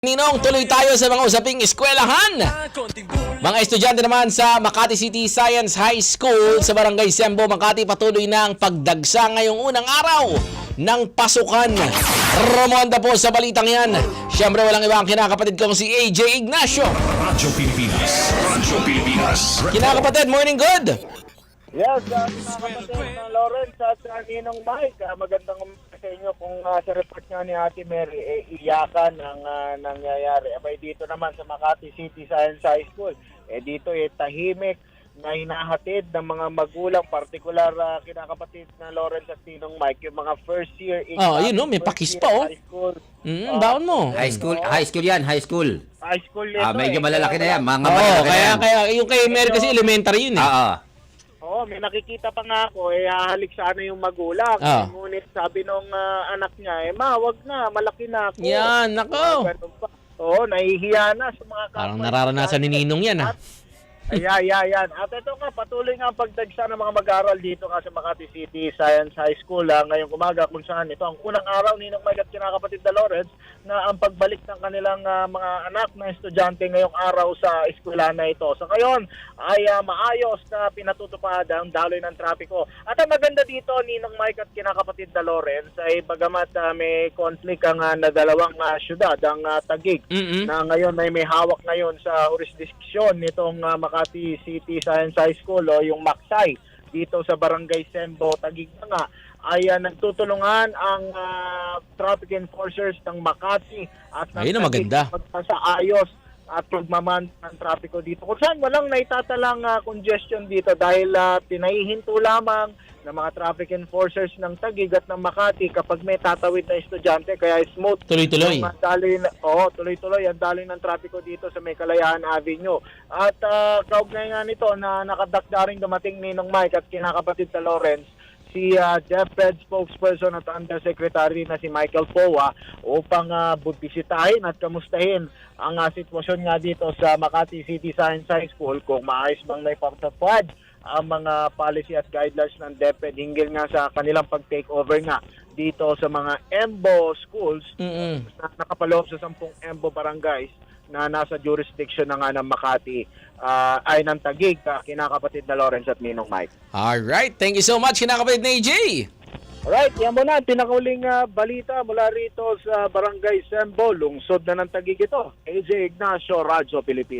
Ninong, tuloy tayo sa mga usaping eskwelahan. Mga estudyante naman sa Makati City Science High School sa Barangay Sembo, Makati, patuloy na ang pagdagsa ngayong unang araw ng pasukan. Romonda po sa balitang yan. Siyempre walang iba ang kinakapatid kong si AJ Ignacio. Radyo Pilipinas. Radyo Pilipinas. Kinakapatid, morning good! Yes, mga kapatid na Lawrence at Ninong Mike, magandang umaga sa inyo. Kung sa report nga ni Ate Mary, iyakan ang nangyayari. Abay dito naman sa Makati City Science High School, dito tahimik na hinahatid ng mga magulang, partikular kinakapatid na Lawrence at Ninong Mike, yung mga first year Yun no, may pakis pa oh. high school. Baon mo. High school yan, high school. High school nito. Medyo malalaki na yan, mga Oo, malalaki na yan. kaya yung kay Mary kasi elementary yun eh. Oo, may nakikita pa nga ako, hahalik sana yung magulang. Ngunit sabi nung anak niya, ma, wag na, malaki na ako. Yan, nako. Oo, nahihiya na sa mga kapwa. Parang nararanasan ni Ninong yan ah. Yan. At ito nga, patuloy nga ang pagdagsa ng mga mag-aaral dito nga sa Makati City Science High School ngayong umaga, kung saan ito ang unang araw Ninong Mike at kinakapatid na Lawrence na ang pagbalik ng kanilang mga anak na estudyante ngayong araw sa eskwela na ito. So ngayon ay maayos na pinatutupad ang daloy ng trapiko. At ang maganda dito Ninong Mike at kinakapatid na Lawrence ay bagamat may conflict ang na dalawang syudad, ang Taguig na ngayon ay may hawak ngayon sa jurisdiksyon nitong Makati City Science High School o yung Maksay dito sa Barangay Sembo, Taguig na nga, ay nagtutulungan ang traffic enforcers ng Makati at ayun na maganda. Sa ayos at pagmaman ng trapiko dito. Kung saan walang naitatalang congestion dito dahil pinahihinto lamang ng mga traffic enforcers ng Taguig at ng Makati kapag may tatawid na estudyante, kaya smooth. Tuloy-tuloy. Tuloy-tuloy ang daloy ng trapiko dito sa May Kalayaan Avenue. At kaugnay nga nito na nakadakdaring dumating Ninong Mike at kinakapatid na Lawrence, si DepEd spokesperson at undersecretary na si Michael Powa upang bisitahin at kamustahin ang sitwasyon nga dito sa Makati City Science High School, kung maayos bang naipatupad ang mga policy at guidelines ng DepEd hinggil nga sa kanilang pag-take over nga dito sa mga EMBO schools na nakapaloob sa 10 EMBO barangays na nasa jurisdiction na nga ng Makati ay ng Taguig, kinakapatid na Lawrence at Ninong Mike. Alright, thank you so much kinakapatid na AJ. Alright, yan muna, pinakauling balita mula rito sa Barangay Sembo, lungsod na ng Taguig ito. AJ Ignacio, Radyo Pilipinas.